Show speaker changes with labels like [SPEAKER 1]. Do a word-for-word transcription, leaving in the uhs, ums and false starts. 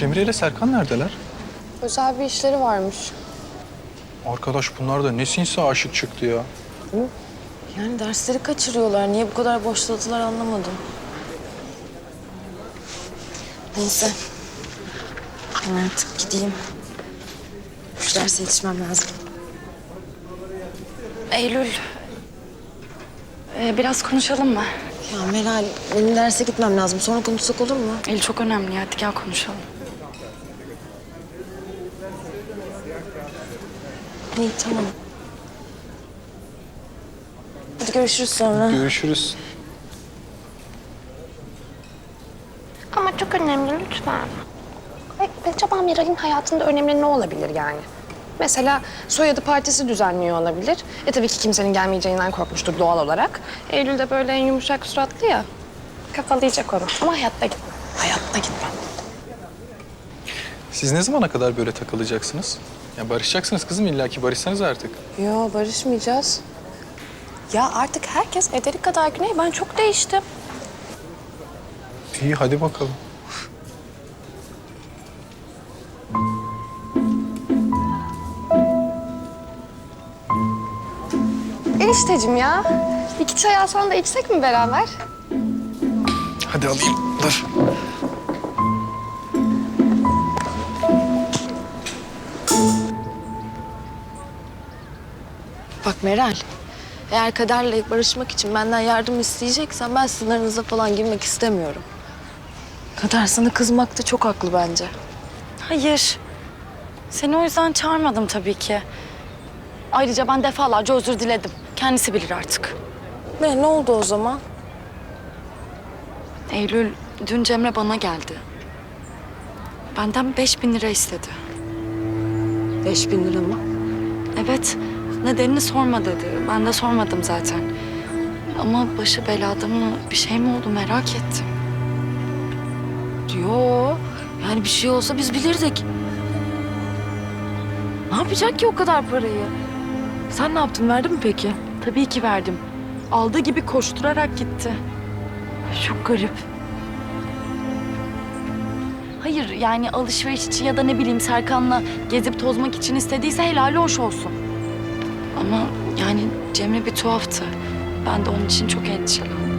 [SPEAKER 1] Cemre ile Serkan neredeler?
[SPEAKER 2] Özel bir işleri varmış.
[SPEAKER 1] Arkadaş bunlar da ne sinsi aşık çıktı ya.
[SPEAKER 2] Yani dersleri kaçırıyorlar. Niye bu kadar boşladılar anlamadım. Neyse. Ben artık gideyim. Şu derse yetişmem lazım.
[SPEAKER 3] Eylül, ee, biraz konuşalım mı?
[SPEAKER 2] Ya Meral, benim derse gitmem lazım. Sonra konuşsak olur mu?
[SPEAKER 3] Eylül çok önemli. Hadi gel konuşalım.
[SPEAKER 2] İyi, tamam. Hadi görüşürüz sonra.
[SPEAKER 1] Görüşürüz.
[SPEAKER 4] Ama çok önemli lütfen. Ay, acaba Miral'in hayatında önemli ne olabilir yani? Mesela soyadı partisi düzenliyor olabilir. E tabii ki kimsenin gelmeyeceğinden korkmuştur doğal olarak. Eylül de böyle en yumuşak suratlı ya. Kafalayacak onu. Ama hayatta gitmem. Hayatta gitmem.
[SPEAKER 1] Siz ne zamana kadar böyle takılacaksınız? Ya barışacaksınız kızım, illaki barışsanız artık.
[SPEAKER 2] Yo, barışmayacağız.
[SPEAKER 4] Ya artık herkes ederi kadar Güney. Ben çok değiştim.
[SPEAKER 1] İyi hadi bakalım.
[SPEAKER 4] Enişteciğim ya. İki çay alsan da içsek mi beraber?
[SPEAKER 1] Hadi alayım, dur.
[SPEAKER 2] Bak Meral, eğer Kader'le barışmak için benden yardım isteyeceksen ben sınırınıza falan girmek istemiyorum. Kader sana kızmakta çok haklı bence.
[SPEAKER 3] Hayır. Seni o yüzden çağırmadım tabii ki. Ayrıca ben defalarca özür diledim. Kendisi bilir artık.
[SPEAKER 2] Ne, ne oldu o zaman?
[SPEAKER 3] Eylül, dün Cemre bana geldi. Benden beş bin lira istedi.
[SPEAKER 2] Beş bin lira mı?
[SPEAKER 3] Evet, nedenini sorma dedi. Ben de sormadım zaten. Ama başı belada mı, bir şey mi oldu merak ettim.
[SPEAKER 2] Yo, yani bir şey olsa biz bilirdik. Ne yapacak ki o kadar parayı? Sen ne yaptın, verdin mi peki?
[SPEAKER 3] Tabii ki verdim. Aldığı gibi koşturarak gitti. Çok garip. Hayır yani alışveriş için ya da ne bileyim Serkan'la gezip tozmak için istediyse helali hoş olsun. Ama yani Cemre bir tuhaftı. Ben de onun için çok endişelendim.